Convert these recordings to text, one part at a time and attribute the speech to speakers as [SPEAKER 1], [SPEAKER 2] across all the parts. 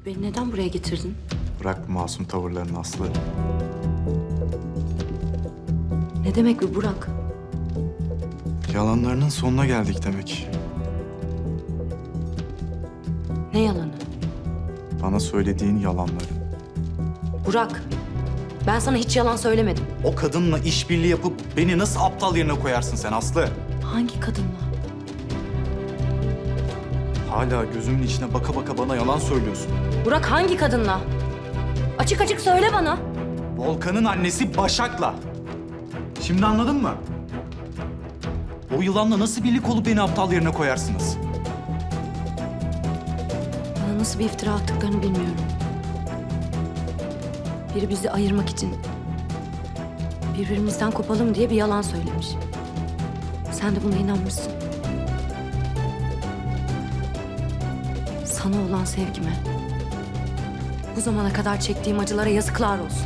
[SPEAKER 1] Beni neden buraya getirdin?
[SPEAKER 2] Bırak bu masum tavırlarını Aslı.
[SPEAKER 1] Ne demek bu Burak?
[SPEAKER 2] Yalanlarının sonuna geldik demek.
[SPEAKER 1] Ne yalanı?
[SPEAKER 2] Bana söylediğin yalanları.
[SPEAKER 1] Burak, ben sana hiç yalan söylemedim.
[SPEAKER 2] O kadınla işbirliği yapıp beni nasıl aptal yerine koyarsın sen Aslı?
[SPEAKER 1] Hangi kadınla?
[SPEAKER 2] Hala gözümün içine baka baka bana yalan söylüyorsun.
[SPEAKER 1] Burak hangi kadınla? Açık açık söyle bana.
[SPEAKER 2] Volkan'ın annesi Başak'la. Şimdi anladın mı? O yılanla nasıl birlik olup beni aptal yerine koyarsınız?
[SPEAKER 1] Bana nasıl bir iftira attıklarını bilmiyorum. Biri bizi ayırmak için birbirimizden kopalım diye bir yalan söylemiş. Sen de buna inanmışsın. Sana olan sevgime, bu zamana kadar çektiğim acılara yazıklar olsun.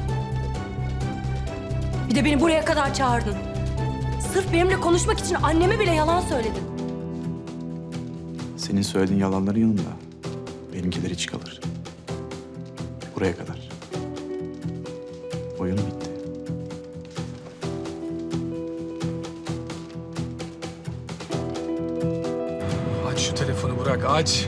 [SPEAKER 1] Bir de beni buraya kadar çağırdın. Sırf benimle konuşmak için anneme bile yalan söyledin.
[SPEAKER 2] Senin söylediğin yalanların yanında benimkiler hiç kalır. Buraya kadar. Oyun bitti.
[SPEAKER 3] Aç şu telefonu Burak, aç.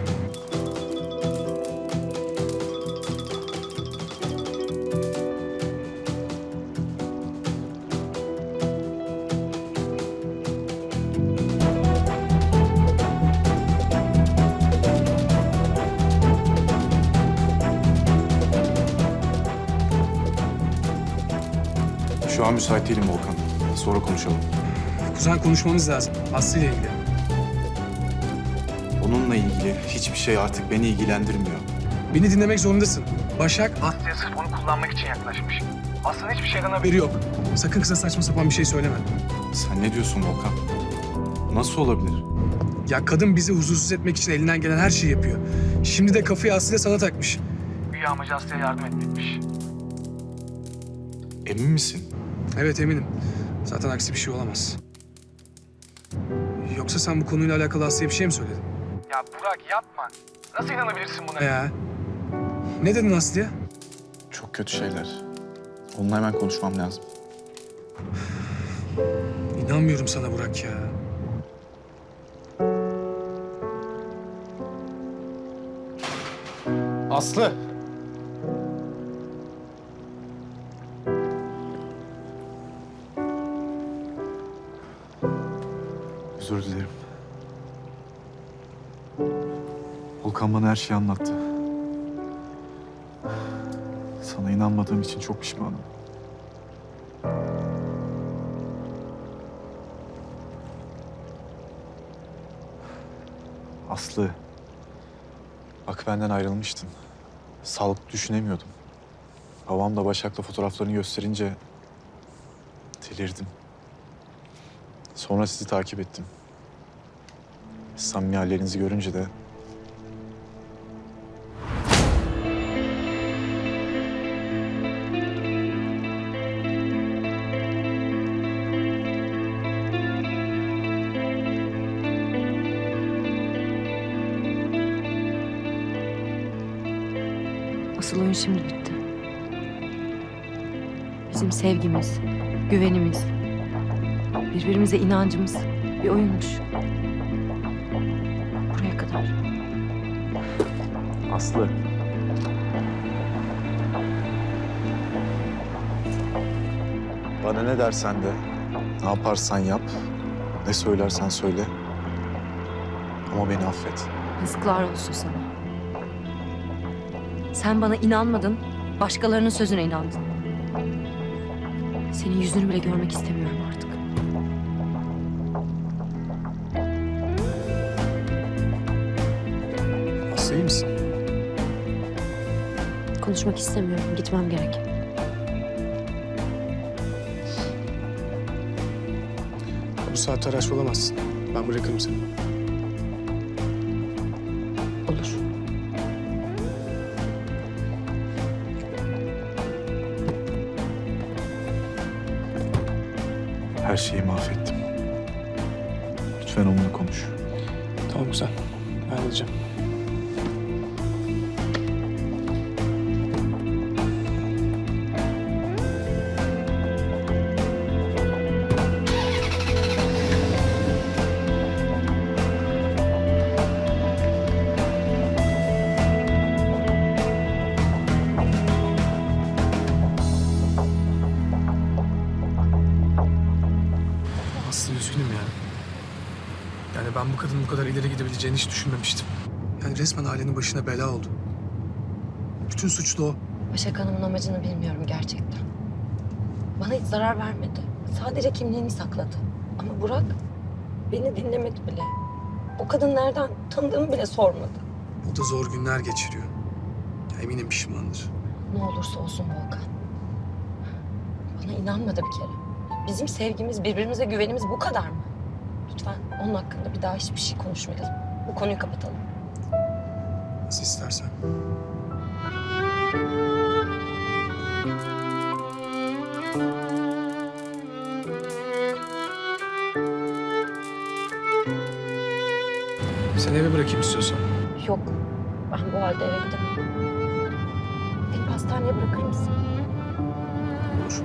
[SPEAKER 2] Şu an müsait değilim Volkan. Sonra konuşalım.
[SPEAKER 3] Kuzen konuşmamız lazım. Aslı ile ilgili.
[SPEAKER 2] Onunla ilgili hiçbir şey artık beni ilgilendirmiyor.
[SPEAKER 3] Beni dinlemek zorundasın. Başak Aslı'ya sırf onu kullanmak için yaklaşmış. Aslı'nın hiçbir şeyden haberi yok. Sakın kıza saçma sapan bir şey söyleme.
[SPEAKER 2] Sen ne diyorsun Volkan? Nasıl olabilir?
[SPEAKER 3] Ya kadın bizi huzursuz etmek için elinden gelen her şeyi yapıyor. Şimdi de kafayı Aslı'yla sana takmış. Güya amacı Aslı'ya yardım etmekmiş.
[SPEAKER 2] Emin misin?
[SPEAKER 3] Evet eminim. Zaten aksi bir şey olamaz. Yoksa sen bu konuyla alakalı Aslı'ya bir şey mi söyledin?
[SPEAKER 4] Ya Burak yapma. Nasıl inanabilirsin buna?
[SPEAKER 3] Ya. Ne dedin Aslı'ya?
[SPEAKER 2] Çok kötü şeyler. Onunla hemen konuşmam lazım.
[SPEAKER 3] İnanmıyorum sana Burak ya.
[SPEAKER 2] Aslı! Özür dilerim. Volkan bana her şeyi anlattı. Sana inanmadığım için çok pişmanım. Aslı, bak benden ayrılmıştın. Sağlıklı düşünemiyordum. Babam da Başak'la fotoğraflarını gösterince delirdim. Sonra sizi takip ettim. Samimi hallerinizi görünce de
[SPEAKER 1] Asıl oyun şimdi bitti. Bizim sevgimiz, güvenimiz, birbirimize inancımız bir oyunmuş. Buraya kadar.
[SPEAKER 2] Aslı. Bana ne dersen de, ne yaparsan yap, ne söylersen söyle. Ama beni affet.
[SPEAKER 1] Yazıklar olsun sana. Sen bana inanmadın, başkalarının sözüne inandın. Senin yüzünü bile görmek istemiyorum artık.
[SPEAKER 3] Aslı iyi misin?
[SPEAKER 1] Konuşmak istemiyorum, gitmem gerek.
[SPEAKER 3] Bu saatte araç olamazsın. Ben bırakırım seni.
[SPEAKER 1] Olur.
[SPEAKER 2] Her şeyi mahvettim. Lütfen onunla konuş.
[SPEAKER 3] Tamam güzel. Ben halledeceğim. Ben bu kadının bu kadar ileri gidebileceğini hiç düşünmemiştim. Yani resmen ailenin başına bela oldu. Bütün suç da o.
[SPEAKER 1] Başak Hanım'ın amacını bilmiyorum gerçekten. Bana hiç zarar vermedi. Sadece kimliğini sakladı. Ama Burak beni dinlemedi bile. O kadın nereden tanıdığımı bile sormadı.
[SPEAKER 3] O da zor günler geçiriyor. Ya eminim pişmandır.
[SPEAKER 1] Ne olursa olsun Volkan. Bana inanmadı bir kere. Bizim sevgimiz, birbirimize güvenimiz bu kadar mı? Lütfen onun hakkında bir daha hiçbir şey konuşmayalım. Bu konuyu kapatalım.
[SPEAKER 3] Nasıl istersen. Seni eve bırakayım istiyorsan.
[SPEAKER 1] Yok, ben bu halde eve gidemem. Beni hastaneye bırakır mısın?
[SPEAKER 3] Olur.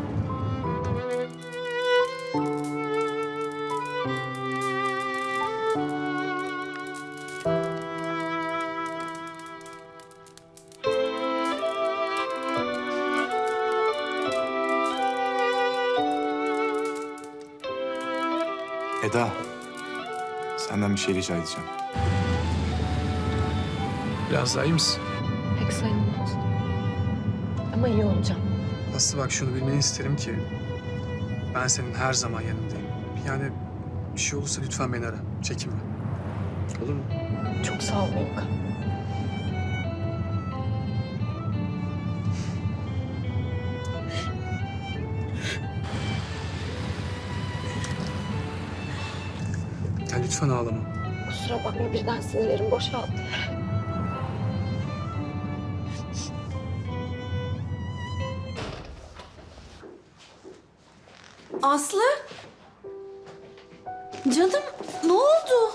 [SPEAKER 2] Eda, senden bir şey rica edeceğim.
[SPEAKER 3] Biraz daha iyi misin?
[SPEAKER 1] Pek sayılmaz. Ama iyi olacağım.
[SPEAKER 3] Aslı bak şunu bilmeni isterim ki ben senin her zaman yanındayım. Yani bir şey olursa lütfen beni ara. Çekinme. Olur mu?
[SPEAKER 1] Çok sağ ol Volkan.
[SPEAKER 3] Ya lütfen ağlama.
[SPEAKER 1] Kusura bakma birden sinirlerim boşaldı.
[SPEAKER 5] Aslı? Canım ne oldu?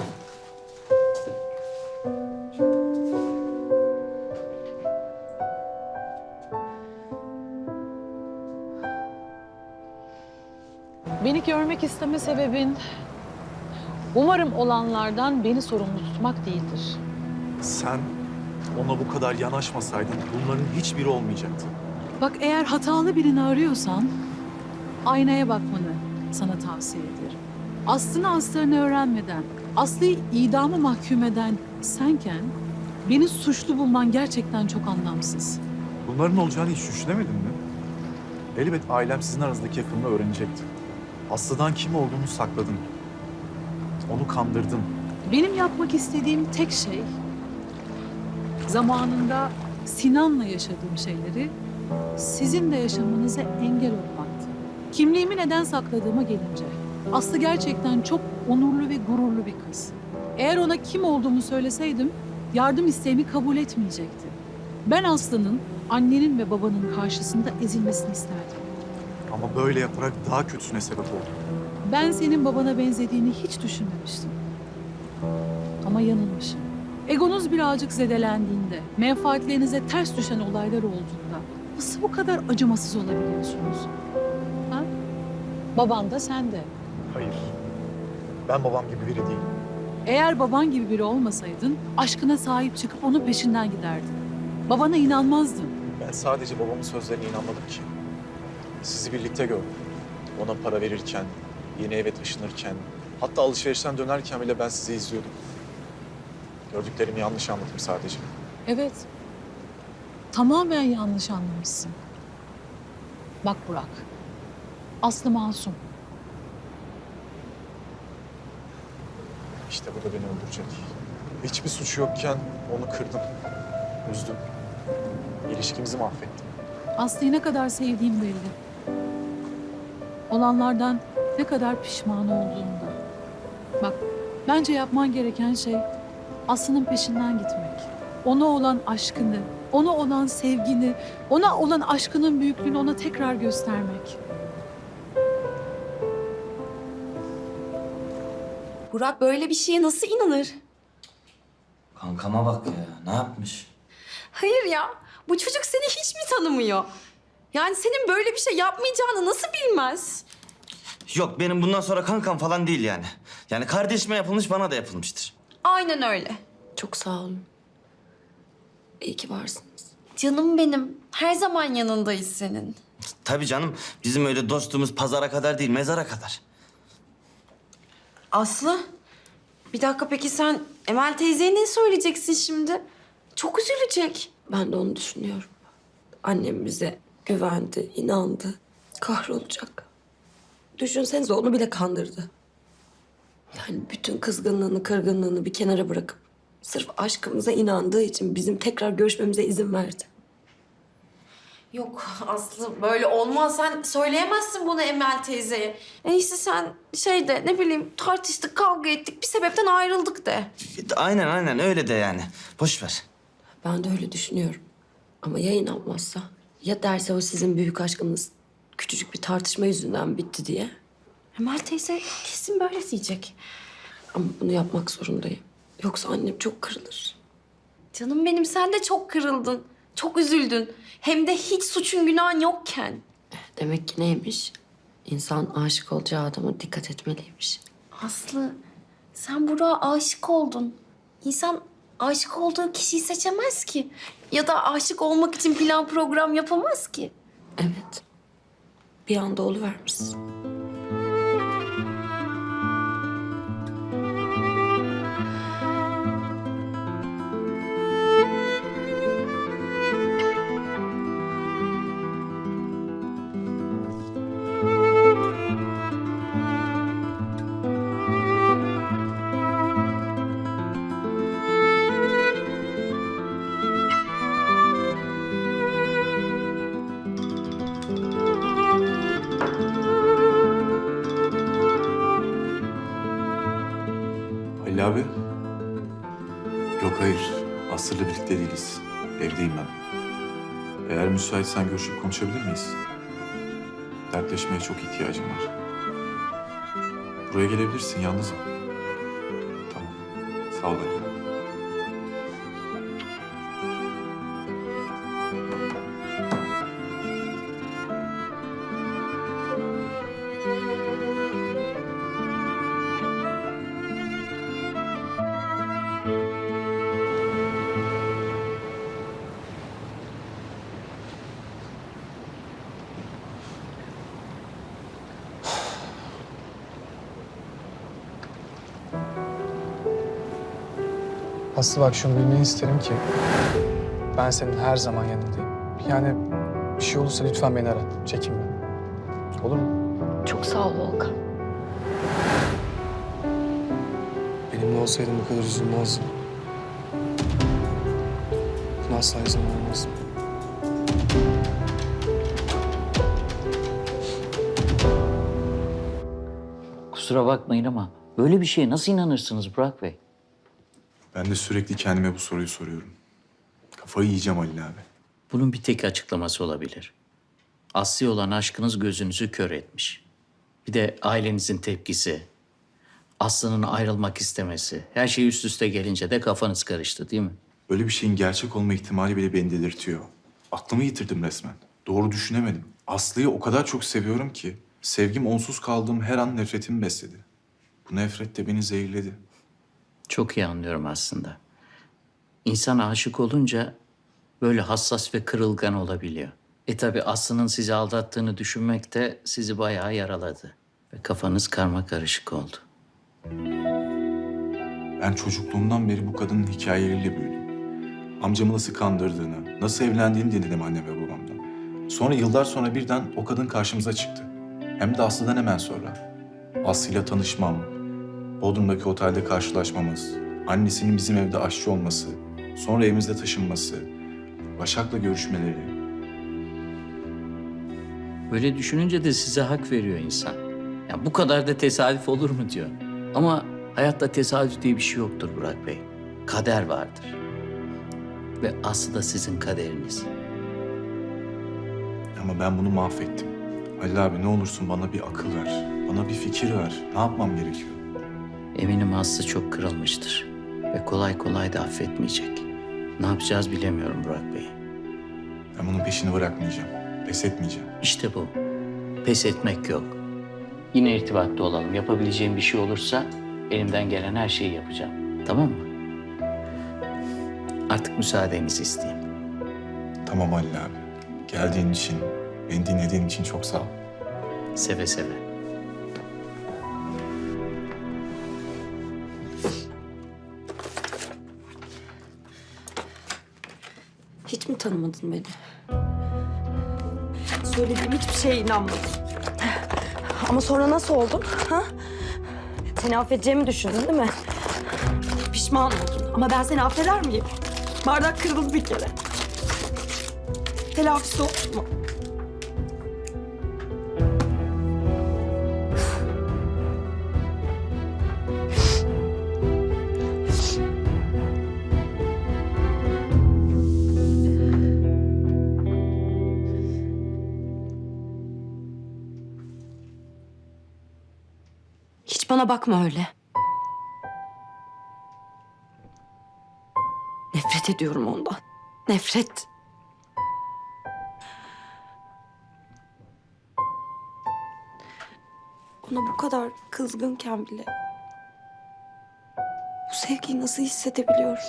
[SPEAKER 6] Beni görmek isteme sebebin umarım olanlardan beni sorumlu tutmak değildir.
[SPEAKER 2] Sen ona bu kadar yanaşmasaydın bunların hiçbiri olmayacaktı.
[SPEAKER 6] Bak eğer hatalı birini arıyorsan aynaya bakmanı sana tavsiye ederim. Aslını aslarını öğrenmeden, Aslı'yı idama mahkum eden senken beni suçlu bulman gerçekten çok anlamsız.
[SPEAKER 2] Bunların olacağını hiç düşünemedin mi? Elbet ailem sizin aranızdaki yakınlığı öğrenecekti. Aslı'dan kim olduğunu sakladın. Onu kandırdın.
[SPEAKER 6] Benim yapmak istediğim tek şey zamanında Sinan'la yaşadığım şeyleri sizin de yaşamanıza engel olmaktı. Kimliğimi neden sakladığıma gelince Aslı gerçekten çok onurlu ve gururlu bir kız. Eğer ona kim olduğumu söyleseydim yardım isteğimi kabul etmeyecekti. Ben Aslı'nın annenin ve babanın karşısında ezilmesini isterdim.
[SPEAKER 2] Ama böyle yaparak daha kötüsüne sebep oldun.
[SPEAKER 6] Ben senin babana benzediğini hiç düşünmemiştim. Ama yanılmışım. Egonuz birazcık zedelendiğinde, menfaatlerinize ters düşen olaylar olduğunda nasıl bu kadar acımasız olabiliyorsunuz? Ha? Baban da sen de.
[SPEAKER 2] Hayır. Ben babam gibi biri değilim.
[SPEAKER 6] Eğer baban gibi biri olmasaydın aşkına sahip çıkıp onun peşinden giderdin. Babana inanmazdın.
[SPEAKER 2] Ben sadece babamın sözlerine inanmadım ki. Sizi birlikte gördüm. Ona para verirken, yeni eve taşınırken, hatta alışverişten dönerken bile ben sizi izliyordum. Gördüklerimi yanlış anladım sadece.
[SPEAKER 6] Evet. Tamamen yanlış anlamışsın. Bak Burak. Aslı masum.
[SPEAKER 2] İşte bu da beni öldürecek. Hiçbir suçu yokken onu kırdım, üzdüm. İlişkimizi mahvettim.
[SPEAKER 6] Aslı'yı ne kadar sevdiğim belli. Olanlardan ne kadar pişman olduğunda. Bak, bence yapman gereken şey Aslı'nın peşinden gitmek. Ona olan aşkını, ona olan sevgini, ona olan aşkının büyüklüğünü ona tekrar göstermek.
[SPEAKER 5] Burak böyle bir şeye nasıl inanır?
[SPEAKER 7] Kankama bak ya. Ne yapmış?
[SPEAKER 5] Hayır ya. Bu çocuk seni hiç mi tanımıyor? Yani senin böyle bir şey yapmayacağını nasıl bilmez?
[SPEAKER 7] Yok benim bundan sonra kankam falan değil yani. Yani kardeşime yapılmış bana da yapılmıştır.
[SPEAKER 5] Aynen öyle.
[SPEAKER 1] Çok sağ olun. İyi ki varsınız.
[SPEAKER 5] Canım benim. Her zaman yanındayız senin.
[SPEAKER 7] Tabii canım bizim öyle dostluğumuz pazara kadar değil mezara kadar.
[SPEAKER 5] Aslı. Bir dakika, peki sen Emel teyzeye ne söyleyeceksin şimdi? Çok üzülecek.
[SPEAKER 1] Ben de onu düşünüyorum. Annem bize güvendi, inandı. Kahrolacak. Düşünsenize onu bile kandırdı. Yani bütün kızgınlığını, kırgınlığını bir kenara bırakıp sırf aşkımıza inandığı için bizim tekrar görüşmemize izin verdi.
[SPEAKER 5] Yok Aslı, böyle olmaz. Sen söyleyemezsin bunu Emel teyzeye. En iyisi sen ne bileyim, tartıştık, kavga ettik, bir sebepten ayrıldık de.
[SPEAKER 7] Aynen öyle de yani. Boş ver.
[SPEAKER 1] Ben de öyle düşünüyorum. Ama ya inanmazsa? Ya derse o sizin büyük aşkınız küçücük bir tartışma yüzünden bitti diye?
[SPEAKER 5] Emel teyze kesin böyle diyecek.
[SPEAKER 1] Ama bunu yapmak zorundayım. Yoksa annem çok kırılır.
[SPEAKER 5] Canım benim, sen de çok kırıldın. Çok üzüldün. Hem de hiç suçun günahın yokken.
[SPEAKER 1] Demek ki neymiş? İnsan aşık olacağı adama dikkat etmeliymiş.
[SPEAKER 5] Aslı, sen Burak'a aşık oldun. İnsan aşık olduğu kişiyi seçemez ki. Ya da aşık olmak için plan program yapamaz ki.
[SPEAKER 1] Evet. Bir anda oluvermişsin.
[SPEAKER 2] Halil abi. Yok hayır. Aslı'yla birlikte değiliz. Evdeyim ben. Eğer müsaitsen görüşüp konuşabilir miyiz? Dertleşmeye çok ihtiyacım var. Buraya gelebilirsin, yalnızım. Tamam. Sağ ol Halil abi.
[SPEAKER 3] Aslı bak şunu bilmeni isterim ki ben senin her zaman yanındayım. Yani bir şey olursa lütfen beni ara. Çekinme. Olur mu?
[SPEAKER 1] Çok sağ ol Volkan.
[SPEAKER 3] Benimle olsaydın bu kadar üzülmezdim. Buna asla izin vermezdim.
[SPEAKER 8] Kusura bakmayın ama böyle bir şeye nasıl inanırsınız Burak Bey?
[SPEAKER 2] Ben de sürekli kendime bu soruyu soruyorum. Kafayı yiyeceğim Halil abi.
[SPEAKER 8] Bunun bir tek açıklaması olabilir. Aslı'ya olan aşkınız gözünüzü kör etmiş. Bir de ailenizin tepkisi, Aslı'nın ayrılmak istemesi, her şey üst üste gelince de kafanız karıştı değil mi?
[SPEAKER 2] Böyle bir şeyin gerçek olma ihtimali bile beni delirtiyor. Aklımı yitirdim resmen. Doğru düşünemedim. Aslı'yı o kadar çok seviyorum ki sevgim onsuz kaldığım her an nefretimi besledi. Bu nefret de beni zehirledi.
[SPEAKER 8] Çok iyi anlıyorum aslında. İnsan aşık olunca böyle hassas ve kırılgan olabiliyor. Tabii Aslı'nın sizi aldattığını düşünmek de sizi bayağı yaraladı. Ve kafanız karmakarışık oldu.
[SPEAKER 2] Ben çocukluğumdan beri bu kadının hikayeleriyle büyüdüm. Amcamı nasıl kandırdığını, nasıl evlendiğini dinledim annem ve babamdan. Sonra yıllar sonra birden o kadın karşımıza çıktı. Hem de Aslı'dan hemen sonra. Aslı'yla tanışmam, Bodrum'daki otelde karşılaşmamız, annesinin bizim evde aşçı olması, sonra evimizde taşınması, Başak'la görüşmeleri.
[SPEAKER 8] Böyle düşününce de size hak veriyor insan. Ya bu kadar da tesadüf olur mu diyor. Ama hayatta tesadüf diye bir şey yoktur Burak Bey. Kader vardır. Ve Aslı da sizin kaderiniz.
[SPEAKER 2] Ama ben bunu mahvettim. Halil abi ne olursun bana bir akıl ver, bana bir fikir ver. Ne yapmam gerekiyor?
[SPEAKER 8] Eminim Aslı çok kırılmıştır. Ve kolay kolay da affetmeyecek. Ne yapacağız bilemiyorum Burak Bey.
[SPEAKER 2] Ben bunun peşini bırakmayacağım, pes etmeyeceğim.
[SPEAKER 8] İşte bu. Pes etmek yok. Yine irtibatta olalım. Yapabileceğim bir şey olursa elimden gelen her şeyi yapacağım. Tamam mı? Artık müsaadenizi isteyeyim.
[SPEAKER 2] Tamam Halil abi. Geldiğin için, beni dinlediğin için çok sağ ol.
[SPEAKER 8] Seve seve.
[SPEAKER 1] Hiç mi tanımadın beni? Söylediğim hiçbir şeye inanmadın. Ama sonra nasıl oldun? Ha? Seni affedeceğimi düşündün değil mi? Pişman oldun. Ama ben seni affeder miyim? Bardak kırıldı bir kere. Telafisi oldu mu? Hiç bana bakma öyle. Nefret ediyorum ondan. Nefret. Ona bu kadar kızgınken bile bu sevgiyi nasıl hissedebiliyorum?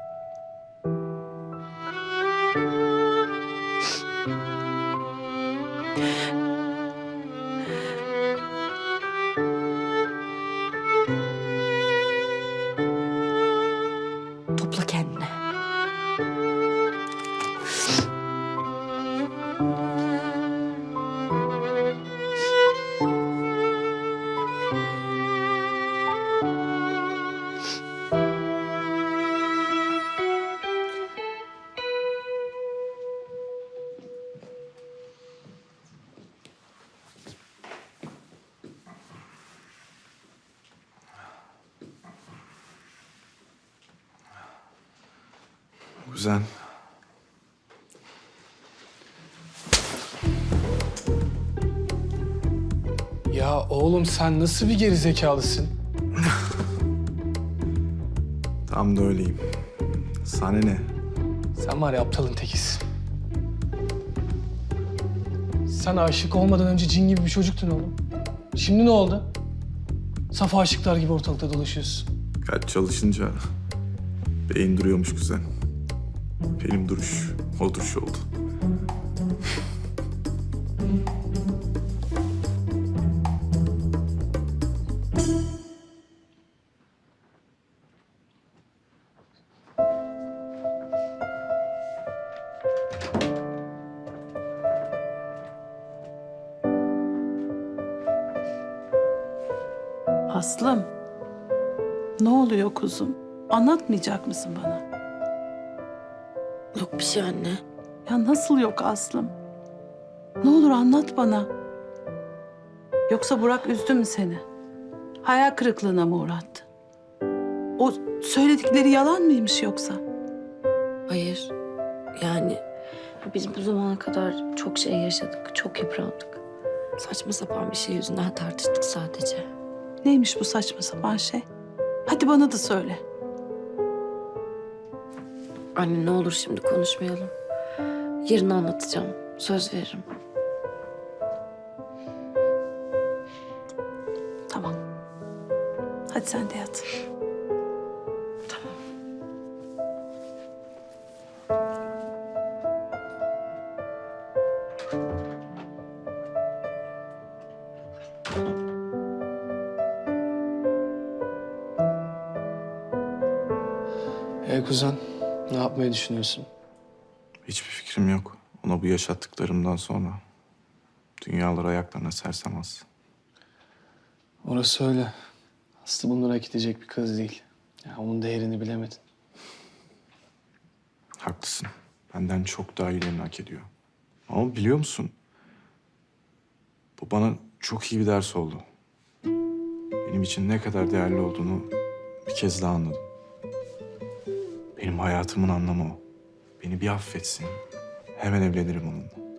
[SPEAKER 1] Topla kendini.
[SPEAKER 2] Kuzen.
[SPEAKER 3] Ya oğlum sen nasıl bir gerizekalısın?
[SPEAKER 2] Tam da öyleyim. Sana ne?
[SPEAKER 3] Sen var ya aptalın tekisin. Sen aşık olmadan önce cin gibi bir çocuktun oğlum. Şimdi ne oldu? Saf aşıklar gibi ortalıkta dolaşıyorsun.
[SPEAKER 2] Kalp çalışınca beyin duruyormuş kuzen. Benim duruş o duruş oldu.
[SPEAKER 6] Aslım, ne oluyor kuzum? Anlatmayacak mısın bana?
[SPEAKER 1] Yok bir şey anne.
[SPEAKER 6] Ya nasıl yok Aslım? Ne olur anlat bana. Yoksa Burak üzdü mü seni? Hayal kırıklığına mı uğrattı? O söyledikleri yalan mıymış yoksa?
[SPEAKER 1] Hayır. Yani biz bu zamana kadar çok şey yaşadık, çok yıprandık. Saçma sapan bir şey yüzünden tartıştık sadece.
[SPEAKER 6] Neymiş bu saçma sapan şey? Hadi bana da söyle.
[SPEAKER 1] Anne ne olur şimdi konuşmayalım. Yarın anlatacağım. Söz veririm.
[SPEAKER 6] Tamam. Hadi sen de yat.
[SPEAKER 3] Kuzen, ne yapmayı düşünüyorsun?
[SPEAKER 2] Hiçbir fikrim yok. Ona bu yaşattıklarımdan sonra dünyalar ayaklarına sersemez.
[SPEAKER 3] Orası öyle. Aslı bunları hak edecek bir kız değil. Ya onun değerini bilemedin.
[SPEAKER 2] Haklısın. Benden çok daha iyilerini hak ediyor. Ama biliyor musun? Bu bana çok iyi bir ders oldu. Benim için ne kadar değerli olduğunu bir kez daha anladım. Benim hayatımın anlamı o. Beni bir affetsin. Hemen evlenirim onunla.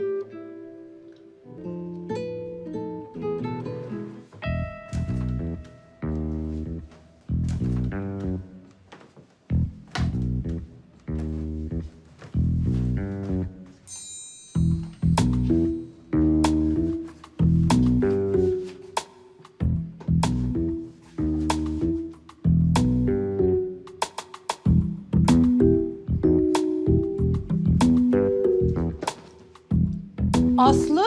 [SPEAKER 6] Aslı?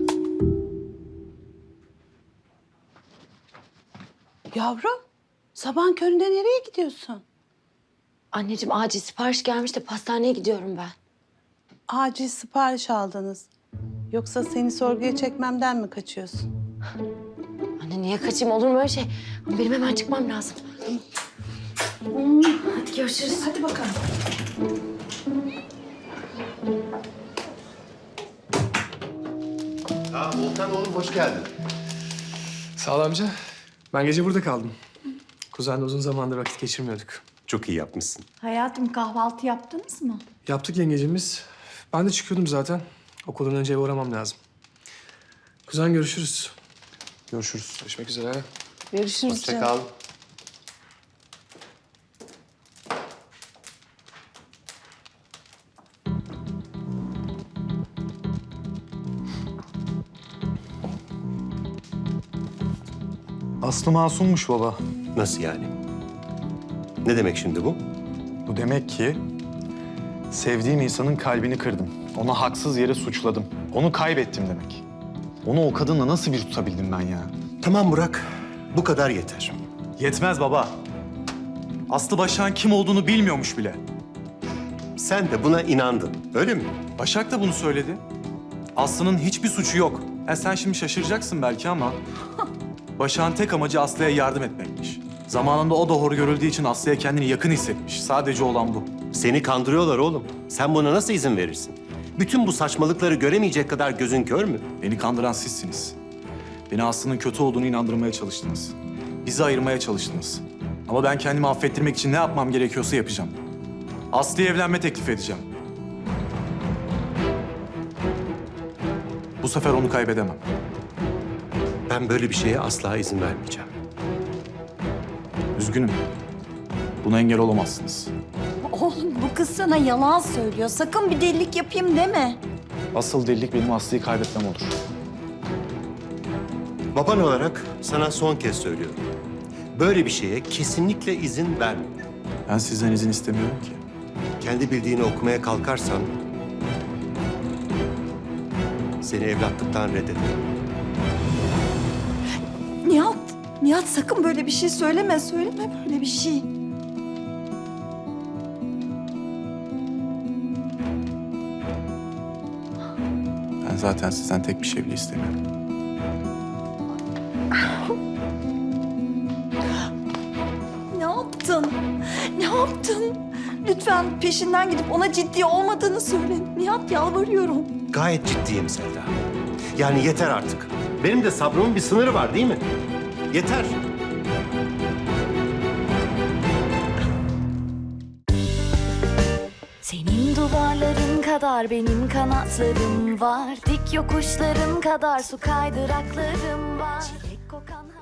[SPEAKER 6] Yavrum, sabahın köründe nereye gidiyorsun?
[SPEAKER 1] Anneciğim acil sipariş gelmiş de pastaneye gidiyorum ben.
[SPEAKER 9] acil sipariş aldınız. Yoksa seni sorguya çekmemden mi kaçıyorsun?
[SPEAKER 1] Anne niye kaçayım, olur mu öyle şey? Benim hemen çıkmam lazım. Hadi görüşürüz.
[SPEAKER 9] Hadi bakalım.
[SPEAKER 10] Volkan oğlum hoş geldin.
[SPEAKER 3] Sağ ol amca. Ben gece burada kaldım. Kuzenle uzun zamandır vakit geçirmiyorduk.
[SPEAKER 10] Çok iyi yapmışsın.
[SPEAKER 5] Hayatım kahvaltı yaptınız mı?
[SPEAKER 3] Yaptık yengecimiz. Ben de çıkıyordum zaten. Okuldan önce eve uğramam lazım. Kuzen görüşürüz.
[SPEAKER 2] Görüşürüz.
[SPEAKER 3] Görüşmek üzere.
[SPEAKER 9] Görüşürüz
[SPEAKER 10] Hoşça
[SPEAKER 9] canım.
[SPEAKER 10] kal.
[SPEAKER 2] Aslı masummuş baba.
[SPEAKER 10] Nasıl yani? Ne demek şimdi bu?
[SPEAKER 2] Bu demek ki sevdiğim insanın kalbini kırdım. Onu haksız yere suçladım. Onu kaybettim demek. Onu o kadınla nasıl bir tutabildim ben ya?
[SPEAKER 10] Tamam Burak, bu kadar yeter.
[SPEAKER 2] Yetmez baba. Aslı Başak'ın kim olduğunu bilmiyormuş bile.
[SPEAKER 10] Sen de buna inandın, öyle mi?
[SPEAKER 2] Başak da bunu söyledi. Aslı'nın hiçbir suçu yok. Sen şimdi şaşıracaksın belki ama... Başak'ın tek amacı Aslı'ya yardım etmekmiş. Zamanında o da hor görüldüğü için Aslı'ya kendini yakın hissetmiş. Sadece olan bu.
[SPEAKER 10] Seni kandırıyorlar oğlum. Sen buna nasıl izin verirsin? Bütün bu saçmalıkları göremeyecek kadar gözün kör mü?
[SPEAKER 2] Beni kandıran sizsiniz. Beni Aslı'nın kötü olduğunu inandırmaya çalıştınız. Bizi ayırmaya çalıştınız. Ama ben kendimi affettirmek için ne yapmam gerekiyorsa yapacağım. Aslı'ya evlenme teklif edeceğim. Bu sefer onu kaybedemem.
[SPEAKER 10] Ben böyle bir şeye asla izin vermeyeceğim.
[SPEAKER 2] Üzgünüm. Buna engel olamazsınız.
[SPEAKER 5] Oğlum bu kız sana yalan söylüyor. Sakın bir delilik yapayım deme.
[SPEAKER 2] Asıl delilik benim Aslı'yı kaybetmem olur.
[SPEAKER 10] Baban olarak sana son kez söylüyorum. Böyle bir şeye kesinlikle izin verme.
[SPEAKER 2] Ben sizden izin istemiyorum ki.
[SPEAKER 10] Kendi bildiğini okumaya kalkarsan... seni evlatlıktan reddederim.
[SPEAKER 5] Nihat sakın böyle bir şey söyleme. Söyleme böyle bir şey.
[SPEAKER 2] Ben zaten sizden tek bir şey bile istemiyorum.
[SPEAKER 5] Ne yaptın? Ne yaptın? Lütfen peşinden gidip ona ciddi olmadığını söyle. Nihat yalvarıyorum.
[SPEAKER 10] Gayet ciddiyim Selda. Yani yeter artık. Benim de sabrımın bir sınırı var değil mi? Yeter.
[SPEAKER 11] Senin duvarların kadar benim kanatlarım var. Dik yokuşların kadar su kaydıraklarım var. Çilek kokan